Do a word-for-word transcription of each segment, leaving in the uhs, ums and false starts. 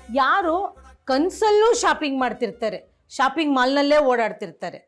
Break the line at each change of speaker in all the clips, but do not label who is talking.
ಯಾರು ಕನ್ಸಲ್ಲೂ ಶಾಪಿಂಗ್ ಮಾಡ್ತಿರ್ತಾರೆ, ಶಾಪಿಂಗ್ ಮಾಲ್ನಲ್ಲೇ ಓಡಾಡ್ತಿರ್ತಾರೆ.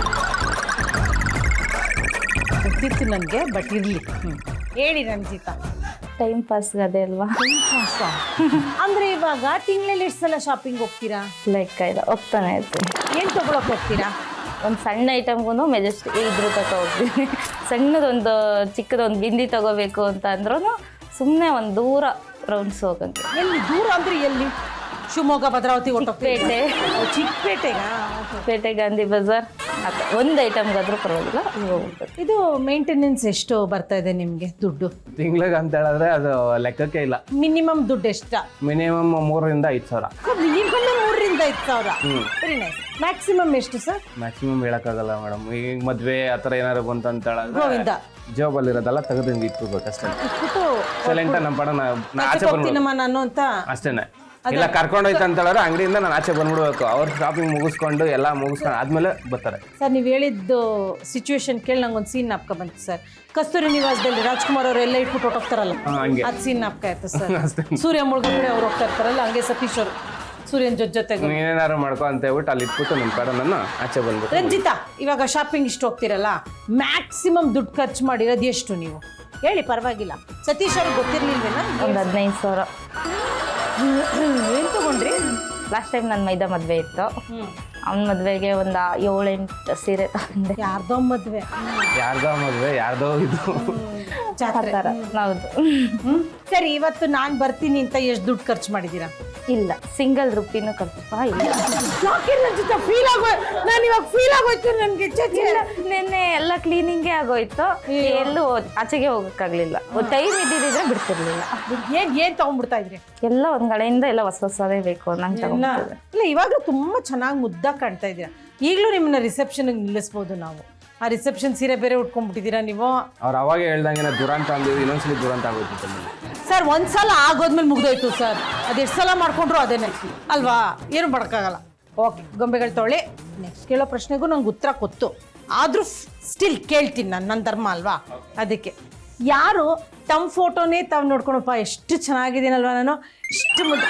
ಗೊತ್ತಿತ್ತು ನನಗೆ, ಬಟ್ ಇರ್ಲಿ. ಹೇಳಿ ರಂಜಿತಾ.
ಟೈಮ್ ಪಾಸ್ ಅದೇ ಅಲ್ವಾ.
ಅಂದ್ರೆ ಇವಾಗ ತಿಂಗಳಲ್ಲಿ ಎಷ್ಟು ಸಲ ಶಾಪಿಂಗ್ ಹೋಗ್ತೀರಾ?
ಲೆಕ್ಕ ಇಲ್ಲ, ಹೋಗ್ತಾನೆ ಇರ್ತೀನಿ.
ಏನ್ ತಗೊಳಕ್ ಹೋಗ್ತೀರಾ?
ಒಂದು ಸಣ್ಣ ಐಟಮ್ಗೂ ಮೆಜೆಸ್ಟಿಕ್ ಇದ್ರ ತಗೋ ಹೋಗ್ತೀನಿ. ಸಣ್ಣದೊಂದು ಚಿಕ್ಕದೊಂದು ಬಿಂದಿ ತಗೋಬೇಕು ಅಂತ ಅಂದ್ರೂ ಸುಮ್ಮನೆ ಒಂದು ದೂರ ರೌಂಡ್ಸ್ ಹೋಗಂಗೆ.
ಎಲ್ಲಿ ದೂರ ಅಂದ್ರೆ ಎಲ್ಲಿ? ಶಿವಮೊಗ್ಗ, ಭದ್ರಾವತಿ,
ಪೇಟೆ,
ಚಿಕ್ಕಪೇಟೆಗ,
ಪೇಟೆ, ಗಾಂಧಿ ಬಜಾರ್, ಒಂದು ಐಟಮ್ಗಾದ್ರೂ ಪರವಾಗಿಲ್ಲ ಹೋಗ್ಬೇಕು.
ಇದು ಮೇಂಟೆನೆನ್ಸ್ ಎಷ್ಟು ಬರ್ತಾ ಇದೆ ನಿಮ್ಗೆ ದುಡ್ಡು
ತಿಂಗ್ಳಿಗೆ ಅಂತ ಹೇಳಿದ್ರೆ ಅದು ಲೆಕ್ಕಕ್ಕೆ ಇಲ್ಲ.
ಮಿನಿಮಮ್ ದುಡ್ಡು ಎಷ್ಟ?
ಮಿನಿಮಮ್ ಮೂರರಿಂದ ಐದು ಸಾವಿರ.
ಮಿನಿಮಮ್ ಮೂರರಿಂದ ಐದು ಸಾವಿರ. Very nice. ಮ್ಯಾಕ್ಸಿಮಮ್ ಎಷ್ಟು ಸರ್?
ಮ್ಯಾಕ್ಸಿಮಮ್ ಹೇಳಕ್ಕಾಗಲ್ಲ ಮೇಡಮ್. ಈಗ ಮದ್ವೆ ಆ ಥರ ಏನಾರು ಬಂತು ಅಂತ ಹೇಳಿದ್ರೆ
ಗೋವಿಂದ
ಜಾಬಲ್ಲಿ ಇರೋದೆಲ್ಲ ತೆಗೆದು ಇಟ್ಕೋಬೇಕಷ್ಟೇ.
ಇಟ್ಬಿಟ್ಟು
ಸೈಲೆಂಟ್ ನಮ್ಮ ಪಡ ನಾ ಆಚೆ
ಹೋಗ್ತೀನಮ್ಮ ನಾನು ಅಂತ
ಅಷ್ಟೇನೆ. ಇಲ್ಲ ಕರ್ಕೊಂಡೋಯ್ತು ಅಂತ ಹೇಳಿದ್ರೆ ಅಂಗಡಿಯಿಂದ ನಾನು ಆಚೆ ಬಂದ್ಬಿಡ್ಬೇಕು. ಅವ್ರು ಶಾಪಿಂಗ್ ಮುಗಿಸ್ಕೊಂಡು ಎಲ್ಲ ಮುಗಿಸ್ಕೊಂಡು ಆದ್ಮೇಲೆ ಬರ್ತಾರೆ.
ಸರ್ ನೀವು ಹೇಳಿದ್ದು ಸಿಚುವೇಶನ್ ಕೇಳಿ ನಂಗೆ ಒಂದು ಸೀನ್ ನಾಪ್ಕ ಬಂತು ಸರ್. ಕಸ್ತೂರಿ ನಿವಾಸದಲ್ಲಿ ರಾಜ್ಕುಮಾರ್ ಅವರು ಎಲ್ಲ ಇಟ್ಬಿಟ್ಟು ಹೊಟ್ಟೋಗ್ತಾರಲ್ಲ, ಅದು ಸೀನ್ ನಾಪ್ಕ ಆಯ್ತು ಸರ್. ಸೂರ್ಯ ಮುಳುಗಡೆ ಅವ್ರು ಹೋಗ್ತಾ ಇರ್ತಾರಲ್ಲ, ಹಂಗೆ ಸತೀಶ್ ಅವರು ಸೂರ್ಯನ ಜೊತೆ ಜೊತೆಗೆ
ಏನಾರು ಮಾಡ್ಕೊ ಅಂತ ಹೇಳ್ಬಿಟ್ಟು ಅಲ್ಲಿ ಇಟ್ಬಿಟ್ಟು ನಿಮ್ಮ ಕಡೆ ನನ್ನ ಆಚೆ ಬಂದ್ಬಿಟ್ಟು.
ರಂಜಿತಾ, ಇವಾಗ ಶಾಪಿಂಗ್ ಇಷ್ಟು ಹೋಗ್ತಿರಲ್ಲ, ಮ್ಯಾಕ್ಸಿಮಮ್ ದುಡ್ಡು ಖರ್ಚು ಮಾಡಿರೋದು ಎಷ್ಟು ನೀವು ಹೇಳಿ? ಪರವಾಗಿಲ್ಲ. ಸತೀಶ್ ಅವ್ರಿಗೆ ಗೊತ್ತಿರ್ಲಿಲ್ವೇನಾ?
ಒಂದು ಹದಿನೈದು ಸಾವಿರ.
ಏನು ತಗೊಂಡ್ರಿ?
ಲಾಸ್ಟ್ ಟೈಮ್ ನನ್ನ ಮೈದಾ ಮದುವೆ ಇತ್ತು, ಅವ್ನ ಮದುವೆಗೆ ಒಂದು ಏಳೆಂಟು ಸೀರೆ ತಗೊಂಡೆ.
ಯಾರ್ದೋ ಮದುವೆ,
ಯಾರ್ದೋ ಮದುವೆ, ಯಾರ್ದೋ ಇದು
ಜಾತ್ರೆ.
ಹೌದು.
ಸರಿ, ಇವತ್ತು ನಾನು ಬರ್ತೀನಿ ಅಂತ ಎಷ್ಟು ದುಡ್ಡು ಖರ್ಚು ಮಾಡಿದ್ದೀರಾ?
ಇಲ್ಲ, ಸಿಂಗಲ್ ರುಪಿನೂ ಖರ್ಚು ಇಲ್ಲ.
ಫೀಲ್ ಆಗೋ ನಾನು ಇವಾಗ ಫೀಲ್ ಆಗೋಯ್ತು ನನಗೆ.
ನಿನ್ನೆ ಎಲ್ಲ ಕ್ಲೀನಿಂಗೇ ಆಗೋಯ್ತು, ಎಲ್ಲೂ ಆಚೆಗೆ ಹೋಗೋಕ್ಕಾಗಲಿಲ್ಲ. ಟೈಮ್ ಇದ್ದಿದ್ರೆ ಬಿಡ್ತಿರ್ಲಿಲ್ಲ.
ಏನ್ ಏನ್ ತಗೊಂಡ್ಬಿಡ್ತಾ ಇದ್ರಿ?
ಎಲ್ಲ ಒಂದ್ ಕಡೆಯಿಂದ ಎಲ್ಲ ಹೊಸ ಹೊಸದೇ ಬೇಕು ನಂಗೆ ತಗೊಂಡಿದ್ದೆ.
ಇಲ್ಲ, ಇವಾಗಲೂ ತುಂಬಾ ಚೆನ್ನಾಗಿ ಮುದ್ದಾಗಿ ಕಾಣ್ತಾ ಇದ್ದೀರಾ. ಈಗಲೂ ನಿಮ್ಮನ್ನ ರಿಸೆಪ್ಷನ್ಗೆ ನಿಲ್ಲಿಸ್ಬೋದು ನಾವು. ಆ ರಿಸೆಪ್ಷನ್ ಸೀರೆ ಬೇರೆ ಉಟ್ಕೊಂಡ್ಬಿಟ್ಟಿದ್ದೀರಾ ನೀವು.
ಅವ್ರು ಅವಾಗ ಹೇಳ್ದಂಗೆ ದುರಂತ ಅಂದಿದ್ದು ಇನ್ನೊಂದ್ಸಲಿ ದುರಂತ ಆಗೋಯ್ತು
ಸರ್. ಒಂದ್ಸಲ ಆಗೋದ್ಮೇಲೆ ಮುಗ್ದೋಯ್ತು ಸರ್. ಅದೆಷ್ಟು ಸಲ ಮಾಡ್ಕೊಂಡ್ರು ಅದೇನೆ ಅಲ್ವಾ, ಏನು ಮಾಡೋಕ್ಕಾಗಲ್ಲ. ಓಕೆ, ಗೊಂಬೆಗಳು ತೊಳೆ. ನೆಕ್ಸ್ಟ್ ಕೇಳೋ ಪ್ರಶ್ನೆಗೂ ನಂಗೆ ಉತ್ತರ ಗೊತ್ತು, ಆದರೂ ಸ್ಟಿಲ್ ಕೇಳ್ತೀನಿ ನಾನು, ನನ್ನ ಧರ್ಮ ಅಲ್ವಾ. ಅದಕ್ಕೆ ಯಾರು ತಮ್ಮ ಫೋಟೋನೇ ತಾವು ನೋಡ್ಕೊಳಪ್ಪ ಎಷ್ಟು ಚೆನ್ನಾಗಿದ್ದೀನಲ್ವಾ ನಾನು, ಇಷ್ಟು ಮುದ್ದ.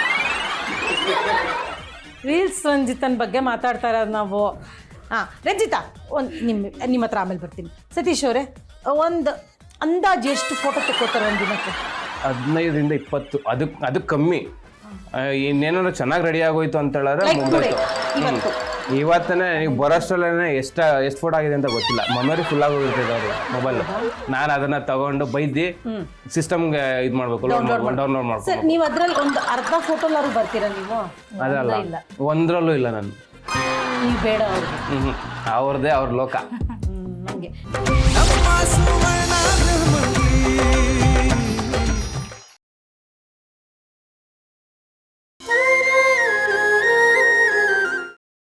ರೀಲ್ಸ್ ರಂಜಿತನ ಬಗ್ಗೆ ಮಾತಾಡ್ತಾ ಇರೋದು ನಾವು. ಹಾಂ ರಂಜಿತಾ, ಒಂದು ನಿಮ್ಮ ನಿಮ್ಮ ಹತ್ರ ಆಮೇಲೆ ಬರ್ತೀನಿ. ಸತೀಶ್ ಅವರೇ, ಒಂದು ಅಂದಾಜು ಎಷ್ಟು ಫೋಟೋ ತೆಕ್ಕೋತಾರೆ ಒಂದು ದಿನಕ್ಕೆ?
ಹದಿನೈದರಿಂದ ಇಪ್ಪತ್ತು. ಅದಕ್ಕೆ ಅದಕ್ಕೆ ಕಮ್ಮಿ. ಇನ್ನೇನಾದ್ರು ಚೆನ್ನಾಗಿ ರೆಡಿ ಆಗೋಯ್ತು ಅಂತ ಹೇಳಿದ್ರೆ ಮುಗ್ದೋಯ್ತು. ಇವತ್ತನೇ ನೀವು ಬರೋಷ್ಟರಲ್ಲೇ ಎಷ್ಟು ಎಷ್ಟು ಫೋಟೋ ಆಗಿದೆ ಅಂತ ಗೊತ್ತಿಲ್ಲ. ಮೆಮೊರಿ ಫುಲ್ ಆಗೋಗಿರ್ತದೆ ಅವರು ಮೊಬೈಲ್. ನಾನು ಅದನ್ನ ತಗೊಂಡು ಬೈದು ಸಿಸ್ಟಮ್ಗೆ ಇದು ಮಾಡಬೇಕು, ಡೌನ್ಲೋಡ್ ಮಾಡ್ಬೇಕು.
ಸರ್, ನೀವು ಅದರಲ್ಲಿ ಒಂದು ಅರ್ಧ ಫೋಟೋಲಾದ್ರು ಬರ್ತೀರಾ ನೀವು?
ಅದಲ್ಲ, ಒಂದರಲ್ಲೂ ಇಲ್ಲ ನಾನು.
ನೀವು ಬೇಡ ಅವ್ರಿಗೆ.
ಹ್ಞೂ ಅವ್ರದ್ದೇ ಅವ್ರ ಲೋಕ.
ಹ್ಞೂ, ಹಂಗೆ.